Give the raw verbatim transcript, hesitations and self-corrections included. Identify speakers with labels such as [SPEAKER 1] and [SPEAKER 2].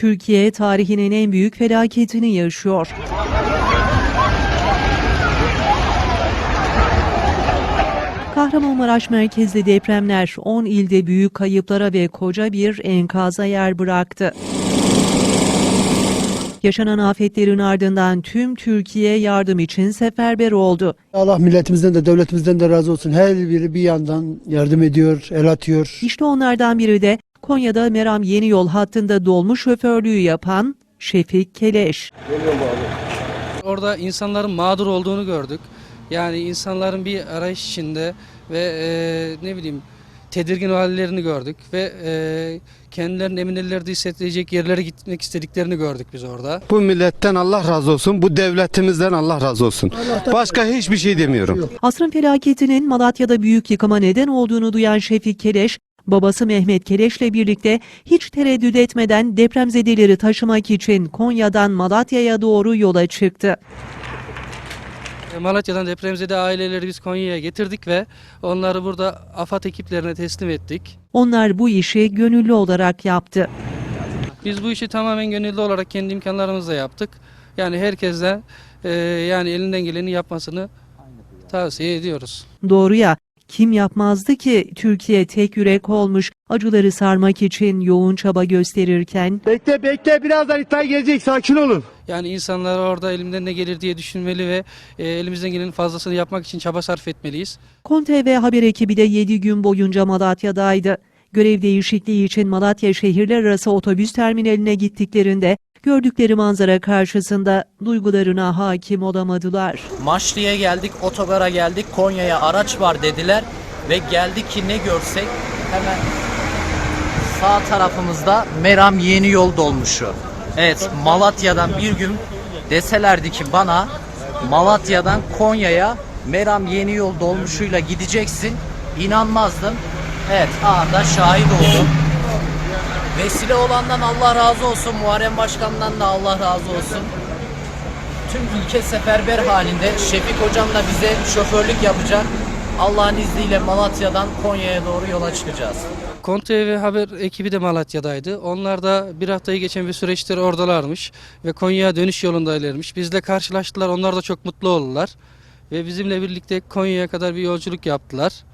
[SPEAKER 1] Türkiye tarihinin en büyük felaketini yaşıyor. Kahramanmaraş merkezli depremler on ilde büyük kayıplara ve koca bir enkaza yer bıraktı. Yaşanan afetlerin ardından tüm Türkiye yardım için seferber oldu.
[SPEAKER 2] Allah milletimizden de devletimizden de razı olsun. Her biri bir yandan yardım ediyor, el atıyor.
[SPEAKER 1] İşte onlardan biri de Konya'da Meram Yeniyol hattında dolmuş şoförlüğü yapan Şefik Keleş.
[SPEAKER 3] Orada insanların mağdur olduğunu gördük. Yani insanların bir arayış içinde ve e, ne bileyim tedirgin hallerini gördük ve e, kendilerini emin ellerde hissedecek yerlere gitmek istediklerini gördük biz orada.
[SPEAKER 4] Bu milletten Allah razı olsun, bu devletimizden Allah razı olsun. Başka hiçbir şey demiyorum.
[SPEAKER 1] Asrın felaketinin Malatya'da büyük yıkıma neden olduğunu duyan Şefik Keleş, babası Mehmet Keleş'le birlikte hiç tereddüt etmeden depremzedeleri taşımak için Konya'dan Malatya'ya doğru yola çıktı.
[SPEAKER 3] Malatya'dan depremzede aileleri biz Konya'ya getirdik ve onları burada AFAD ekiplerine teslim ettik.
[SPEAKER 1] Onlar bu işi gönüllü olarak yaptı.
[SPEAKER 3] Biz bu işi tamamen gönüllü olarak kendi imkanlarımızla yaptık. Yani herkese e, yani elinden geleni yapmasını tavsiye ediyoruz.
[SPEAKER 1] Doğru ya, kim yapmazdı ki Türkiye tek yürek olmuş, acıları sarmak için yoğun çaba gösterirken?
[SPEAKER 2] Bekle bekle birazdan itfaiye gelecek, sakin olun.
[SPEAKER 3] Yani insanlar orada elimden ne gelir diye düşünmeli ve e, elimizden gelenin fazlasını yapmak için çaba sarf etmeliyiz.
[SPEAKER 1] KON T V haber ekibi de yedi gün boyunca Malatya'daydı. Görev değişikliği için Malatya şehirler arası otobüs terminaline gittiklerinde gördükleri manzara karşısında duygularına hakim olamadılar.
[SPEAKER 5] Maçlı'ya geldik, otogara geldik, Konya'ya araç var dediler ve geldik ki ne görsek hemen sağ tarafımızda Meram Yeniyol dolmuşu. Evet, Malatya'dan bir gün deselerdi ki bana Malatya'dan Konya'ya Meram Yeniyol dolmuşuyla gideceksin, inanmazdım. Evet, anında şahit oldum. Vesile olandan Allah razı olsun, Muharrem Başkan'dan da Allah razı olsun. Tüm ülke seferber halinde. Şefik Hocam da bize şoförlük yapacak. Allah'ın izniyle Malatya'dan Konya'ya doğru yola çıkacağız.
[SPEAKER 3] KON T V haber ekibi de Malatya'daydı. Onlar da bir haftayı geçen bir süreçtir oradalarmış ve Konya'ya dönüş yolundaylarmış. Bizle karşılaştılar, onlar da çok mutlu oldular ve bizimle birlikte Konya'ya kadar bir yolculuk yaptılar.